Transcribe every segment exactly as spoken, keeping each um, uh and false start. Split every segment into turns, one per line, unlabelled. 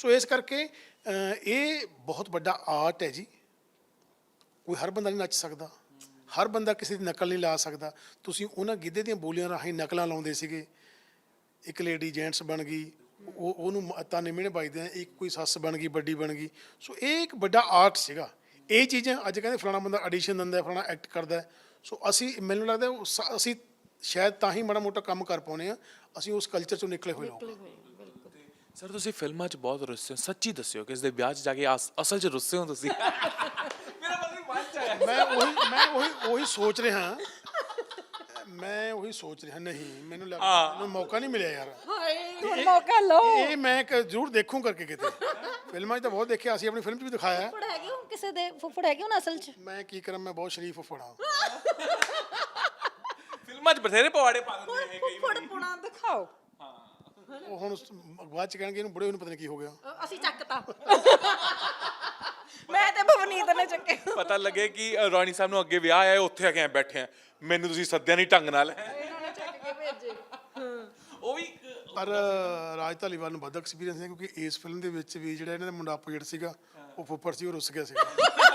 ਸੋ ਇਸ ਕਰਕੇ ਅ, ਇਹ ਬਹੁਤ ਵੱਡਾ ਆਰਟ ਹੈ ਜੀ। ਕੋਈ ਹਰ ਬੰਦਾ ਨਹੀਂ ਨੱਚ ਸਕਦਾ, ਹਰ ਬੰਦਾ ਕਿਸੇ ਦੀ ਨਕਲ ਨਹੀਂ ਲਾ ਸਕਦਾ। ਤੁਸੀਂ ਉਹਨਾਂ ਗਿੱਧੇ ਦੀਆਂ ਬੋਲੀਆਂ ਰਾਹੀਂ ਨਕਲਾਂ ਲਾਉਂਦੇ ਸੀਗੇ। ਇੱਕ ਲੇਡੀ ਜੈਂਟਸ ਬਣ ਗਈ, ਉਹ ਉਹਨੂੰ ਤਾਨੇ ਮਿਹਣੇ ਵੱਜਦੇ ਆ, ਇੱਕ ਕੋਈ ਸੱਸ ਬਣ ਗਈ, ਵੱਡੀ ਬਣ ਗਈ। ਸੋ ਇਹ ਇੱਕ ਵੱਡਾ ਆਰਟ ਸੀਗਾ। ਇਹ ਚੀਜ਼ਾਂ ਅੱਜ ਕਹਿੰਦੇ ਫਲਾਣਾ ਬੰਦਾ ਐਡੀਸ਼ਨ ਦਿੰਦਾ, ਫਲਾਣਾ ਐਕਟ ਕਰਦਾ। ਸੋ ਅਸੀਂ ਮੈਨੂੰ ਲੱਗਦਾ ਉਹ ਸ- ਅਸੀਂ ਸ਼ਾਇਦ ਤਾਂ ਹੀ ਮਾੜਾ ਮੋਟਾ ਕੰਮ ਕਰ ਪਾਉਂਦੇ ਹਾਂ, ਅਸੀਂ ਉਸ ਕਲਚਰ ਚੋਂ ਨਿਕਲੇ ਹੋਏ ਲੋਕ।
ਸਰ ਤੁਸੀਂ ਫਿਲਮਾਂ 'ਚ ਬਹੁਤ ਰੁੱਸੇ ਹੋ, ਸੱਚੀ ਦੱਸਿਓ ਕਿ ਇਸ ਦੇ ਵਿਆਹ 'ਚ ਜਾ ਕੇ ਅਸ- ਅਸਲ 'ਚ ਰੁੱਸੇ ਹੋ ਤੁਸੀਂ। ਮੇਰਾ ਮਤਲਬ ਮਨ 'ਚ ਆਇਆ।
ਮੈਂ ਉਹੀ ਮੈਂ ਉਹੀ ਉਹੀ ਸੋਚ ਰਿਹਾ ਮੈਂ ਉਹੀ ਸੋਚ ਰਿਹਾ ਨਹੀਂ ਮੈਨੂੰ ਲੱਗਦਾ ਮੈਨੂੰ ਮੌਕਾ ਨਹੀਂ ਮਿਲਿਆ ਯਾਰ।
ਹਾਏ ਹੁਣ ਮੌਕਾ ਲਓ।
ਇਹ ਮੈਂ ਇੱਕ ਜ਼ਰੂਰ ਦੇਖੂੰ ਕਰਕੇ ਕਿਤੇ। ਫਿਲਮਾਂ 'ਚ ਤਾਂ ਬਹੁਤ ਦੇਖਿਆ, ਅਸੀਂ ਆਪਣੀ ਫਿਲਮ 'ਚ ਵੀ ਦਿਖਾਇਆ।
ਫੁੱਫੜ ਹੈਗੇ ਹੋ ਕਿਸੇ ਦੇ, ਫੁੱਫੜ ਹੈਗੇ ਹੋ ਅਸਲ 'ਚ?
ਮੈਂ ਕੀ ਕਰਾਂ, ਮੈਂ ਬਹੁਤ ਸ਼ਰੀਫ ਫੜਾ।
ਫਿਲਮਾਂ 'ਚ ਬਥੇਰੇ ਪਵਾੜੇ ਪਾ ਦਿੰਦੇ ਇਹ ਕਈ
ਫੁੱਫੜ ਪੁਣਾ ਦਿਖਾਓ।
ਉਹ ਹੁਣ ਉਸ- ਬਾਅਦ ਚ ਕਹਿਣਗੇ ਇਹਨੂੰ ਬੁੜੇ ਨੂੰ ਪਤਾ ਨਹੀਂ ਕੀ ਹੋ ਗਿਆ।
ਅ, ਅਸੀਂ ਚੱਕਤਾ। ਮੈਂ ਤੇ ਭਵਨੀਤ ਨੇ ਚੱਕੇ।
ਪਤਾ ਲੱਗੇ ਕਿ ਅ, ਰੌਣੀ ਸਾਹਿਬ ਨੂੰ ਅੱਗੇ ਵਿਆਹ ਆਇਆ, ਉੱਥੇ ਆ ਕੇ ਐਂ ਬੈਠੇ ਆ, ਮੈਨੂੰ ਤੁਸੀਂ ਸੱਦਿਆ ਨਹੀਂ ਢੰਗ ਨਾਲ।
ਇਹਨਾਂ ਨੇ ਚੱਕ ਕੇ ਭੇਜੇ।
ਉਹ ਵੀ
ਪਰ ਰਾਜ ਧਾਲੀਵਾਲ ਨੂੰ ਵੱਧ ਐਕਸਪੀਰੀਅੰਸ ਹੈ, ਕਿਉਂਕਿ ਇਸ ਫਿਲਮ ਦੇ ਵਿੱਚ ਵੀ ਜਿਹੜਾ ਇਹਨਾਂ ਦਾ ਮੁੰਡਾ ਆਪੋਜੀਟ ਸੀਗਾ, ਉਹ ਫੁੱਫੜ ਸੀ, ਉਹ ਰੁੱਸ ਗਿਆ ਸੀਗਾ।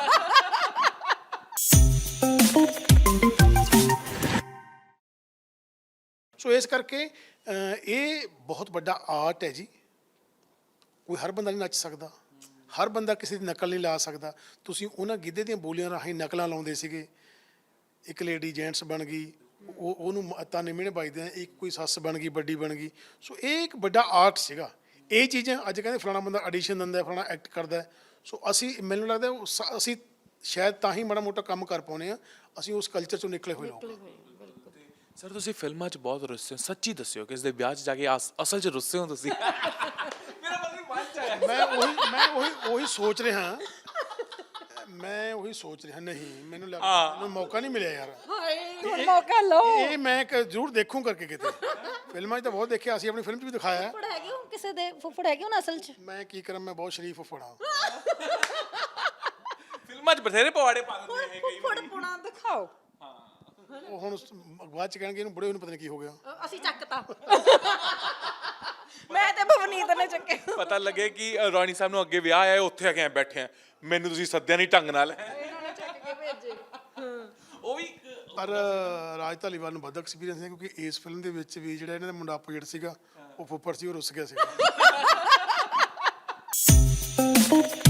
ਸੋ ਇਸ ਕਰਕੇ ਅ, ਇਹ ਬਹੁਤ ਵੱਡਾ ਆਰਟ ਹੈ ਜੀ। ਕੋਈ ਹਰ ਬੰਦਾ ਨਹੀਂ ਨੱਚ ਸਕਦਾ, ਹਰ ਬੰਦਾ ਕਿਸੇ ਦੀ ਨਕਲ ਨਹੀਂ ਲਾ ਸਕਦਾ। ਤੁਸੀਂ ਉਹਨਾਂ ਗਿੱਧੇ ਦੀਆਂ ਬੋਲੀਆਂ ਰਾਹੀਂ ਨਕਲਾਂ ਲਾਉਂਦੇ ਸੀਗੇ। ਇੱਕ ਲੇਡੀ ਜੈਂਟਸ ਬਣ ਗਈ, ਉਹ ਉਹਨੂੰ ਤਾਨੇ ਮਿਹਣੇ ਵੱਜਦੇ ਆ, ਇੱਕ ਕੋਈ ਸੱਸ ਬਣ ਗਈ, ਵੱਡੀ ਬਣ ਗਈ। ਸੋ ਇਹ ਇੱਕ ਵੱਡਾ ਆਰਟ ਸੀਗਾ। ਇਹ ਚੀਜ਼ਾਂ ਅੱਜ ਕਹਿੰਦੇ ਫਲਾਣਾ ਬੰਦਾ ਐਡੀਸ਼ਨ ਦਿੰਦਾ, ਫਲਾਣਾ ਐਕਟ ਕਰਦਾ। ਸੋ ਅਸੀਂ ਮੈਨੂੰ ਲੱਗਦਾ ਉਹ ਸ- ਅਸੀਂ ਸ਼ਾਇਦ ਤਾਂ ਹੀ ਮਾੜਾ ਮੋਟਾ ਕੰਮ ਕਰ ਪਾਉਂਦੇ ਹਾਂ, ਅਸੀਂ ਉਸ ਕਲਚਰ ਚੋਂ ਨਿਕਲੇ ਹੋਏ ਲੋਕ।
ਸਰ ਤੁਸੀਂ ਫਿਲਮਾਂ 'ਚ ਬਹੁਤ ਰੁੱਸੇ ਹੋ, ਸੱਚੀ ਦੱਸਿਓ ਕਿ ਇਸ ਦੇ ਵਿਆਹ 'ਚ ਜਾ ਕੇ ਅਸ- ਅਸਲ 'ਚ ਰੁੱਸੇ ਹੋ ਤੁਸੀਂ। ਮੇਰਾ ਮਤਲਬ ਮਨ 'ਚ ਆਇਆ।
ਮੈਂ ਉਹੀ ਮੈਂ ਉਹੀ ਉਹੀ ਸੋਚ ਰਿਹਾ ਮੈਂ ਉਹੀ ਸੋਚ ਰਿਹਾ ਨਹੀਂ ਮੈਨੂੰ ਲੱਗਦਾ ਮੈਨੂੰ ਮੌਕਾ ਨਹੀਂ ਮਿਲਿਆ ਯਾਰ।
ਹਾਏ ਹੁਣ ਮੌਕਾ ਲਓ।
ਇਹ ਮੈਂ ਇੱਕ ਜ਼ਰੂਰ ਦੇਖੂੰ ਕਰਕੇ ਕਿਤੇ। ਫਿਲਮਾਂ 'ਚ ਤਾਂ ਬਹੁਤ ਦੇਖਿਆ, ਅਸੀਂ ਆਪਣੀ ਫਿਲਮ 'ਚ ਵੀ ਦਿਖਾਇਆ।
ਫੁੱਫੜ ਹੈਗੇ ਹੋ ਕਿਸੇ ਦੇ, ਫੁੱਫੜ ਹੈਗੇ ਹੋ ਅਸਲ 'ਚ?
ਮੈਂ ਕੀ ਕਰਾਂ, ਮੈਂ ਬਹੁਤ ਸ਼ਰੀਫ ਫੜਾ।
ਫਿਲਮਾਂ 'ਚ ਬਥੇਰੇ ਪਵਾੜੇ ਪਾ ਦਿੰਦੇ ਇਹ ਕਈ
ਫੁੱਫੜ ਪੁਣਾ ਦਿਖਾਓ।
ਉਹ ਹੁਣ ਉਸ- ਬਾਅਦ ਚ ਕਹਿਣਗੇ ਇਹਨੂੰ ਬੁੜੇ ਨੂੰ ਪਤਾ ਨਹੀਂ ਕੀ ਹੋ ਗਿਆ।
ਅ, ਅਸੀਂ ਚੱਕਤਾ। ਮੈਂ ਤੇ ਭਵਨੀਤ ਨੇ ਚੱਕੇ।
ਪਤਾ ਲੱਗੇ ਕਿ ਅ, ਰੌਣੀ ਸਾਹਿਬ ਨੂੰ ਅੱਗੇ ਵਿਆਹ ਆਇਆ, ਉੱਥੇ ਆ ਕੇ ਐਂ ਬੈਠੇ ਆ, ਮੈਨੂੰ ਤੁਸੀਂ ਸੱਦਿਆ ਨਹੀਂ ਢੰਗ ਨਾਲ।
ਇਹਨਾਂ ਨੇ ਚੱਕ ਕੇ ਭੇਜੇ।
ਉਹ ਵੀ
ਪਰ ਰਾਜ ਧਾਲੀਵਾਲ ਨੂੰ ਵੱਧ ਐਕਸਪੀਰੀਅੰਸ ਹੈ, ਕਿਉਂਕਿ ਇਸ ਫਿਲਮ ਦੇ ਵਿੱਚ ਵੀ ਜਿਹੜਾ ਇਹਨਾਂ ਦਾ ਮੁੰਡਾ ਆਪੋਜੀਟ ਸੀਗਾ, ਉਹ ਫੁੱਫੜ ਸੀ, ਉਹ ਰੁੱਸ ਗਿਆ ਸੀਗਾ।